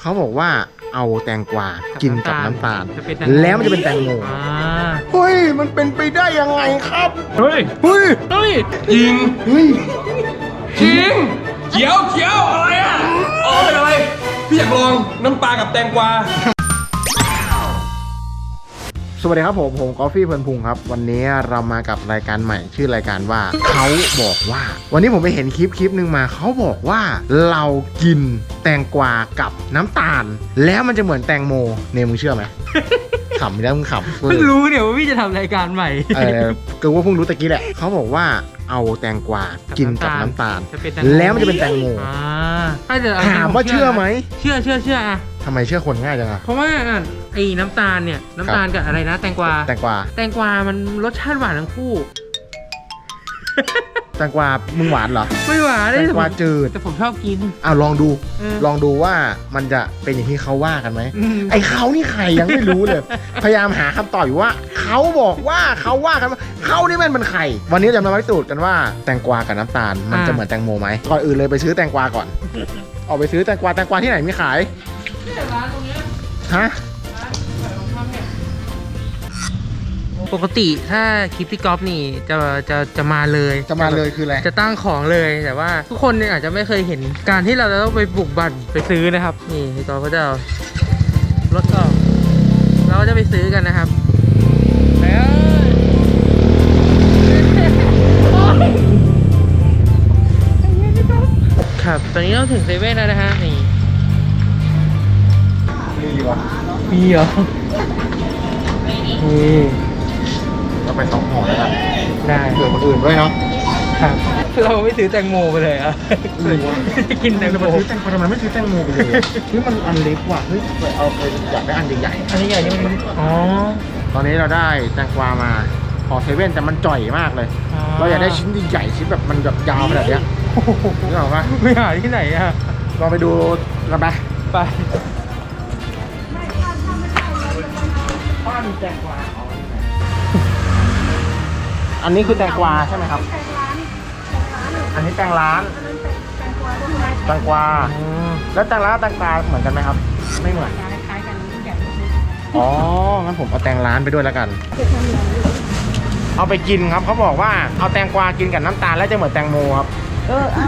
เขาบอกว่าเอาแตงกวากินกับน้ำตาลแล้วมันจะเป็นแตงโมเฮ้ยมันเป็นไปได้ยังไงครับเฮ้ยจริงจริงเขียวอะไรอ่ะอ๋อเป็นอะไรพี่อยากลองน้ำปลากับแตงกวาสวัสดีครับผมกอฟฟี่เพลินพุงครับวันนี้เรามากับรายการใหม่ชื่อรายการว่าเขาบอกว่าวันนี้ผมไปเห็นคลิปหนึ่งมาเขาบอกว่าเรากินแตงกวากับน้ำตาลแล้วมันจะเหมือนแตงโมเนี่ยมึงเชื่อไหม ขำแล้วมึงขำเพิ่งรู้เนี่ยว่าพี่จะทำรายการใหม่ก็ว่าเพิ่งรู้ตะกี้แหละเขาบอกว่าเอาแตงกวากินกับน้ำตาลแล้วมันจะเป็นแตงโมถามว่าเชื่อไหมเชื่ออะทำไมเชื่อคนง่ายจังอะเพราะว่าไอ้น้ำตาลเนี่ยน้ำตาลกับอะไรนะแตงกวามันรสชาติหวานทั้งคู่แตงกวามึงหวานเหรอไม่หวานแตงกวาจืดแต่ผมชอบกินลองดูว่ามันจะเป็นอย่างที่เขาว่ากันไหมไอ้เขานี่ใครยังไม่รู้เลย พยายามหาคำตอบอยู่ว่าเขาบอกว่าเขาว่ากันว่าเขานี่มันเป็นใครวันนี้จะมาพิสูจน์กันว่าแตงกวากับน้ำตาลมันจะเหมือนแตงโมไหมก่อนอื่นเลยไปซื้อแตงกวาก่อนออกไปซื้อแตงกวาที่ไหนมีขายร้านตรงนี้ฮะปกติถ้าคลิปพี่ก๊อฟนี่จะมาเลยคืออะไรจะตั้งของเลยแต่ว่าทุกคนเนี่ยอาจจะไม่เคยเห็นการที่เราจะต้องไปบุกบั่นไปซื้อนะครับนี่พี่ก๊อฟก็จะเอารถออกเราก็จะไปซื้อกันนะครับแล้วครับตอนนี้เราถึงเซเว่นแล้วนะฮะนี่มีเหรอนี่ก็ไป2 ห่อแล้วกันได้เผื่อคนอื่นด้วยเนาะครับเราไม่ซื้อแตงโมไปเลยอ่ะกินแตงโมซื้อแตงโมทำไมไม่ซื้อแตงโมไปเลยมันอันเล็กว่ะเอาไปอยากได้อันใหญ่อันใหญ่นี่มันตอนนี้เราได้แตงกวามาขอเซเว่นแต่มันจ่อยมากเลยเราอยากได้ชิ้นใหญ่ชิ้นแบบมันแบบยาวขนาดนี้นึกออกปะไม่หาที่ไหนอ่ะลองไปดูกันไปป้ามีแตงกวาอันนี้คือแตงกวาใช่ไหมครับอันนี้แตงร้านแตงกวาแล้วแตงร้านแตงกวาเหมือนกันไหมครับไม่เหมือนอ๋องั้นผมเอาแตงร้านไปด้วยแล้วกันเอาไปกินครับเขาบอกว่าเอาแตงกวากินกับน้ำตาลแล้วจะเหมือนแตงโมครับเอา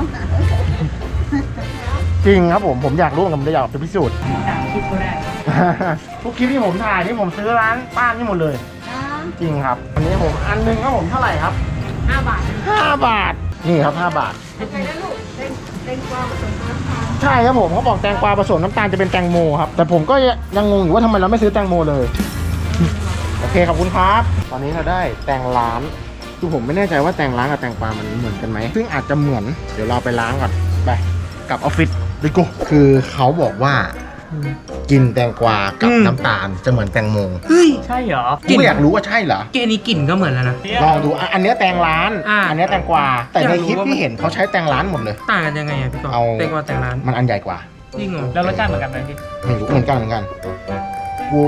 จริงครับผมอยากรู้กับผมอยากไปพิสูจน์ทุกคลิปที่ผมถ่ายที่ผมซื้อร้านป้านี่หมดเลยจริงครับอันนี้ผมอันนึงครับผมเท่าไหร่ครับ 5 บาท 5 บาทนี่ครับ5 บาทเป็นไงนะลูกแตงกวาผสมน้ำตาลใช่ครับผมเขาบอกแตงกวาผสมน้ำตาลจะเป็นแตงโมครับแต่ผมก็ยังงงอยู่ว่าทำไมเราไม่ซื้อแตงโมเลยโอเคขอบคุณครับตอนนี้เราได้แตงร้านคือผมไม่แน่ใจว่าแตงร้านกับแตงกวามันเหมือนกันไหมซึ่งอาจจะเหมือนเดี๋ยวเราไปล้างก่อนไปกับออฟฟิศดิโก้คือเขาบอกว่ากินแตงกวากับน้ำตาลจะเหมือนแตงโมเฮ้ยใช่เหรอกูอยากรู้ว่าใช่เหรอแกนี้กลิ่นก็เหมือนแล้วนะลองดูอันนี้แตงร้านอันนี้แตงกวาแต่ในคลิปที่เห็นเขาใช้แตงร้านหมดเลยต่างกันยังไงอ่ะพี่ก๊อฟแตงกวาแตงร้านมันอันใหญ่กว่าจริงเหรอแล้วรสชาติเหมือนกันไหมพี่ไม่รู้เหมือนกันกู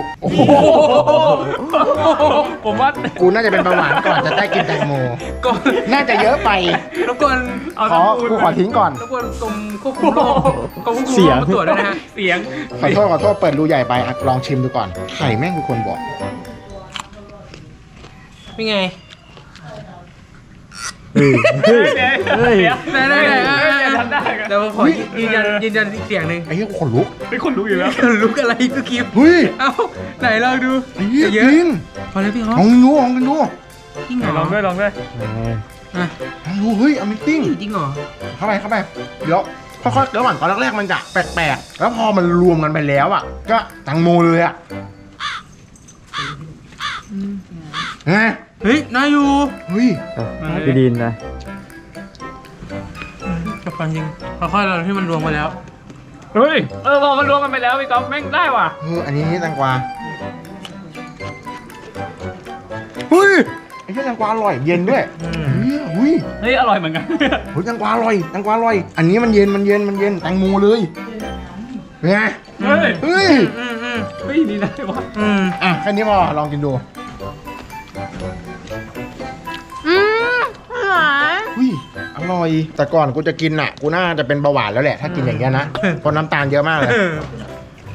ผมว่ากูน่าจะเป็นเบาหวานก่อนจะได้กินแตงโมน่าจะเยอะไปรบกวนกูขอทิ้งก่อนรบกวนกรมควบคุมโรคเสียงตรวจด้วยนะฮะเสียงขอโทษเปิดรูใหญ่ไปลองชิมดูก่อนไข่แม่งคือคนบอกเป็นไงเฮ้ยได้เดี๋ยวขอยืนยันอีกเสียงหนึ่งไอ้เหี้ยขนลุกอยู่แล้วขนลุกอะไรก็คลิปเฮ้ยเอ้าไหนลองดูเยอะจริงพอแล้วพี่ลองดูจริงเหรอลองด้วยลองดูเฮ้ย Amazing จริงเหรอเข้าไปเดี๋ยวค่อยๆระหว่างตอนแรกๆมันจะแปลกๆแล้วพอมันรวมกันไปแล้วอ่ะก็แตงโมเลยอ่ะไงเฮ้ยน่าอยู่เฮ้ยพี่ดินนะกับความจริงค่อยๆเราที่มันรวมไปแล้วเฮ้ยพอมันรวมกันไปแล้วพี่ก๊อฟแม่งได้ว่ะอันนี้แตงกวาเฮ้ยไอ้แตงกวาอร่อยเย็นด้วยเฮ้ยอร่อยเหมือนกันเฮ้ยแตงกวาอร่อยอันนี้มันเย็นแตงโมเลยเป็นไงเฮ้ยนี่ได้ว่ะแค่นี้พอลองกินดูอร่อยแต่ก่อนกูจะกินอ่ะกูน่าจะเป็นเบาหวานแล้วแหละถ้ากินอย่างเงี้ยนะเพราะน้ำตาลเยอะมากเลย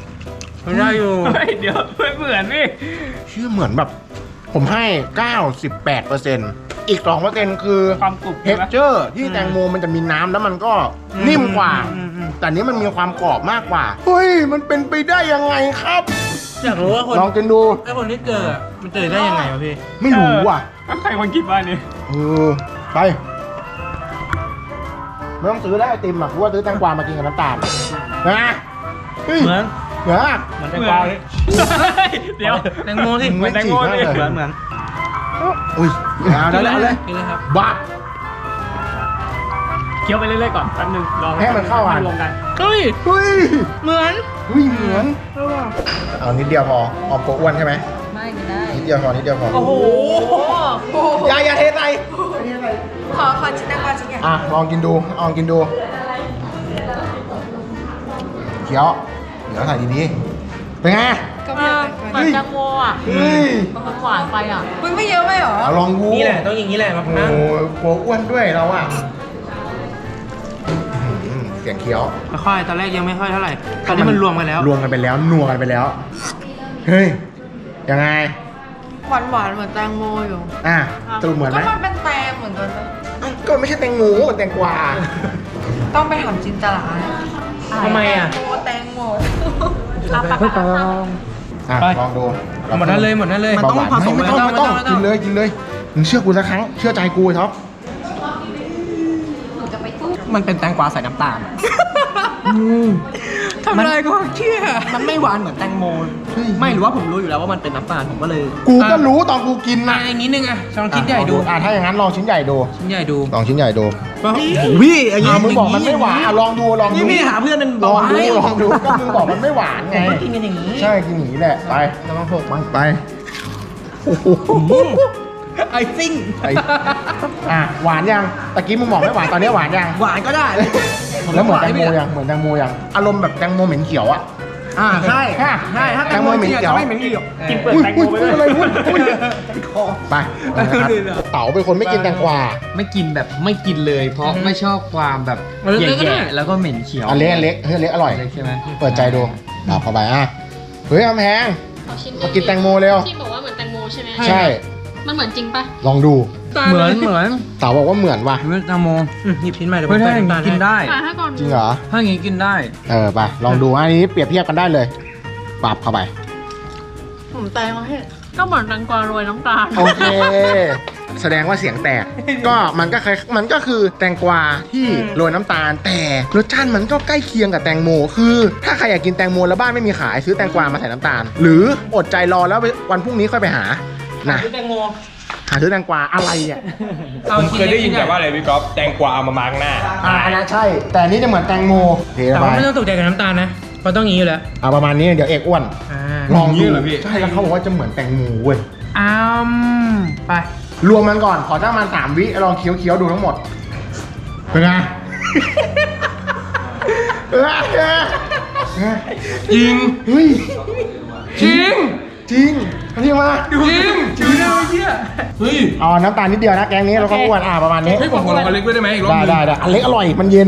มันได้อยู่เฮ้ยเดี๋ยวไม่เหมือนนี่ชื่อเหมือนแบบ ผมให้ 98%อีก 2%คือความกรุบเท็กเจอร์ที่แตงโมมันจะมีน้ำแล้วมันก็นิ่มกว่า แต่อันนี้มันมีความกรอบมากกว่า เฮ้ย มันเป็นไปได้ยังไงครับอยากรู้ว่าคนลองกินดูไอ้คนที่เจอมันเจอได้ยังไงวะพี่ไม่รู้อ่ะใครคนคิดว่านี่ไป ไม่ต้องซื้อได้ไอติมอ่ะเพราะว่าซื้อแตงกวามากินกับน้ำตาลนะเฮ้ยเหมือนเหมือนอะเหมือนแตงกวาเลยเดี๋ยวแตงโมที่เหมือนแตงโมเลยเหมือนอุ้ยเอาได้เลยกินเลยครับบ้าเคี้ยวไปเรื่อยๆก่อนแป๊บนึงลองให้มันเข้ากันรวมกันเฮ้ยเฮ้ยเหมือนเฮ้ยเหมือนเอานิดเดียวพอออมโกอ้วนใช่ไหมไม่ได้นิดเดียวพอนิดเดียวพอโอ้โหอย่าเทใส่ขอชิ้นแตงกวาชิ้นใหญ่อ่ะลองกินดูลองกินดูเคี้ยวเดี๋ยวใส่ดีๆเป็นไงก็ไม่ได้เหมือนแตงโมอ่ะเฮ้ยมันหวานไปอ่ะมึงไม่เยอะไหมหรอเอาลองดูนี่แหละต้องอย่างนี้แหละมะพโอ้ร้าวโหกลัวอ้วนด้วยเราอ่ะเสียงเคี้ยวไม่ค่อยตอนแรกยังไม่ค่อยเท่าไหร่ตอนนี้มันรวมกันแล้วรวมกันไปแล้วนัวกันไปแล้ว เฮ้ย ยังไงหวานหวานๆเหมือนแตงโมอยู่อ่ะสรุปเหมือนไหมก็มันเป็นแตงเหมือนกันนะก็ไม่ใช่แตงโมมันแตงกวาต้องไปถามจินตลาทำไมอ่ะแตงโมอ่ะไปลองดูหมดนั้นเลยหมดนั้นเลยมันต้องผสมไม่ต้องกินเลยกินเลยมึงเชื่อกูสักครั้งเชื่อใจกูไอ้ท็อปมันเป็นแตงกวาใส่น้ำตาลอะทำลายความเชื่อมันไม่หวานเหมือนแตงโม ไม่หรือว่าผมรู้อยู่แล้วว่ามันเป็นน้ำตาลผมก็เลยกูก็รู้ตอนกูกินมานะอีกนิดนึงอ่ะลองคิดใหญ่ดูอ่ะถ้าอย่างนั้นลองชิ้นใหญ่ดูชิ้นใหญ่ดูลองชิ้นใหญ่ดูพี่อย่างอ่ะมึงบอกมันไม่หวานอ่ะลองดูลองดูนี่พี่หาเพื่อนเป็นลองเบาหวานดูให้ลองดูก็มึงบอกมันไม่หวานไงกินกันอย่างนี้ใช่กินอย่างนี้แหละไปแล้วมันหกมันไปโอ้โหไอซิ่งไอ้อ่ะหวานยังตะกี้มึงบอกไม่หวานตอนนี้หวานยังหวานก็ได้แล้วเหมือนแตงโมยังเหมือนแตงโมยังอารมณ์แบบแตงโมเหม็นเขียวอ่ะใช่ค่ะใช่ถ้าแตงโมจริงๆจะไม่เหม็นเขียวกินเปลือกอุ้ยแตงโมอุ้ยไปอุ้ยด้วยอะไรอุ้ยอุ้ยไปนะครับเต๋าเป็นคนไม่กินแตงกวาไม่กินแบบไม่กินเลย เพราะไม่ชอบความแบบเล็กๆก็ได้แย่ๆแล้วก็เหม็นเขียวอันเล็กอันเล็กเฮ้ยอันเล็กอร่อยเล็กใช่ไหมเปิดใจดูเอาเข้าไปอ่ะเฮ้ยกำแพงเอาชิ้นมากินแตงโมเร็วที่บอกว่าเหมือนแตงโมใช่ไหมใช่มันเหมือนจริงปะลองดูเหมือนเต๋าบอกว่าเหมือนว่ะเหมือนแตงโมหยิบชิ้นใหม่เดี๋ยวไม่ผมได้ใส่น้ำตาลกินให้ได้ถ่ายให้ก่อนจริงเหรอถ้าอย่างนี้กินได้ไปลองดูอันนี้เปรียบเทียบกันได้เลยปรับเข้าไปผมแตงมาให้ก็เหมือนแตงกวาโรยน้ำตาลโอเค แสดงว่าเสียงแตก ก็มันก็คือแตงกวาที่โรยน้ำตาล แต่รสชาติมันก็ใกล้เคียงกับแตงโม คือ ถ้าใครอยากกินแตงโมแล้วบ้านไม่มีขายซื้อแตงกวามาใส่น้ำตาล หรืออดใจรอแล้ววันพรุ่งนี้ค่อยไปหานะแตงโมหาซื้อแตงกวาอะไรอ่ะผมเคยได้ยินแต่ว่าอะไรพี่ก๊อฟแตงกวาเอามามาร์กหน้าอันนั้นใช่ แต่อันนี้จะเหมือนแตงโมเทแต่ไปว่าไม่ต้องตกใจกับน้ำตาลนะเพราะต้องอย่างนี้อยู่แล้วประมาณนี้เดี๋ยวเอกอ้วนอ่าลองอย่างนี้ดูเหรอพี่ใช่แล้วเขาบอกว่าจะเหมือนแตงโมเว้ยไปรวมมันก่อนขอตั้งมัน3 วิลองเคี้ยวดูทั้งหมดเป็นไงจริงเฮ้ยจริงจริงนี่มาจริงจริงนะเมื่อกี้เฮ้ยเอาน้ำตาลนิดเดียวนะแกงนี้เราก็อ้วนประมาณนี้ให้ผมขอลองอันเล็กด้วยได้ไหมอีกรอบได้นึงได้อันเล็กอร่อยมันเย็น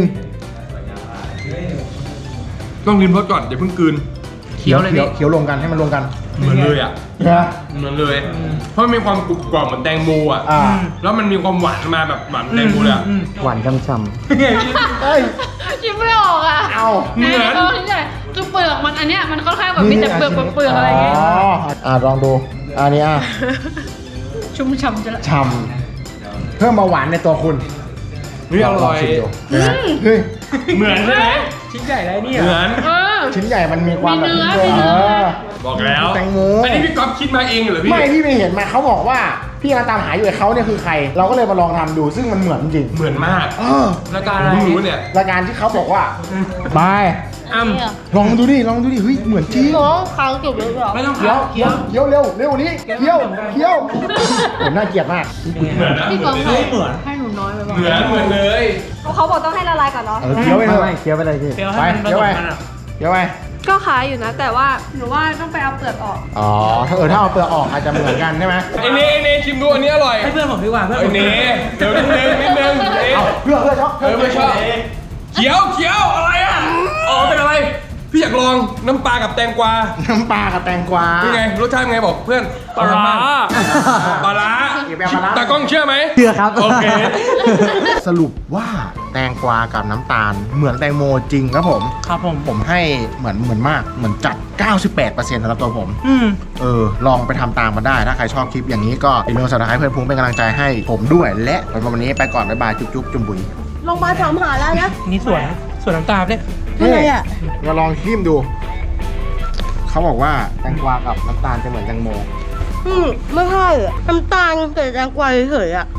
ต้องริมรสก่อนอย่าเพิ่งกลืนเคี้ยวเลยพี่เคี้ยวรวมกันให้มันรวมกันเหมือนเลยอ่ะนะเหมือนเลย เพราะมันมีความกรุบกรอบเหมือนแตงโมอ่ะอ่าแล้วมันมีความหวานมาแบบหวานแตงโมเลยอ่ะหวานช่ำเอ้ยชิมไม่ออกอ่ะเอาเหมือนชิ้นใหญ่คือเปลือกมันอันเนี้ยมันค่อนข้างแบบมีแต่เปลือกอะไรอย่างเงี้ยลองดูอันนี้ชุ่มฉ่ำจะละฉ่ำเพิ่มเบาหวานในตัวคุณนี่อร่อยลงชิมดูเฮ้ยเหมือนใช่ไหมชิ้นใหญ่ไรเนี่ยเหมือนเออชิ้นใหญ่มันมีความแบบมีเนื้อมีเนื้อบอกแล้วแตงโมอันนี้พี่ก๊อฟคิดมาเองเหรอพี่ไม่พี่ไม่เห็นมาเขาบอกว่าพี่กำลังตามหาอยู่ไอ้เขาเนี่ยคือใคร เราก็เลยมาลองทำดูซึ่งมันเหมือนจริงเหมือนมากรายการผอะมไรเพิ่งรู้เนี่ยรายการที่เขาบอกว่าบายอ้ำลองดูดิเฮ้ยเหมือนจริงน้องค้างเก็บไว้หรอไม่ต้องเคี้ยวเคี้ยวเคี้ยวเร็วเร็วนี้เคี้ยวผมน่าเกลียดมากเหมือนนะพี่กองเหให้หนูน้อยไปบ้างมือนเลยเขาบอกต้องให้ละลายก่อนเนาะเคี้ยวไปเถอะไม่เคี้ยวไปเลยพี่เคี้ยวไปให้มันผเคี้ยวสไปมกันอะเคี้ยวไปก็ขายอยู่นะ แต่ว่าหนูว่าต้องไปเอาเปลือกออกอ๋อถ้าเอาเปลือกออกอาจจะเหมือนกันใช่ไหมไอเน่ชิมดูอันนี้อร่อยให้เพื่อนผมดีกว่าเพื่อนไอผมเน่เดี๋ยวนิดนึงเน่เอาเพื่อช็อกไม่ชอบเขียวอะไรอ่ะอ๋อเป็นอะไรพี่อยากลองน้ำปลากับแตงกวาน้ำปลากับแตงกวาเป็นไงรสชาติเป็นไงบอกเพื่อนปลาร้าปลาร้าอย่าไปเอาปลาร้าตากล้องเชื่อไหมเชื่อครับโอเคสรุปว่าแตงกวากับน้ำตาลเหมือนแตงโมจริงครับผมครับผมผมให้เหมือนมากเหมือนจัด 98%สำหรับตัวผมอืมลองไปทำตามมาได้ ถ้าใครชอบคลิปอย่างนี้ก็อย่าลืมสับสไครต์เพื่อนพุงเป็นกำลังใจให้ผมด้วย และวันนี้ไปก่อน บ๊ายบาย จุ๊บจุ่มบุ๋ยลงมาถามหาแล้วนะนี่สวนน้ำตาลเนี่ยอะไรอ่ะมาลองชิมดู เขาบอกว่าแตงกวากับน้ำตาลจะเหมือนแตงโมไม่ใช่อะน้ำตาลแต่แตงกวาเฉยๆอ่ะ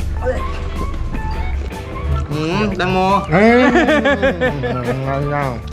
แตงโมเฮ้ย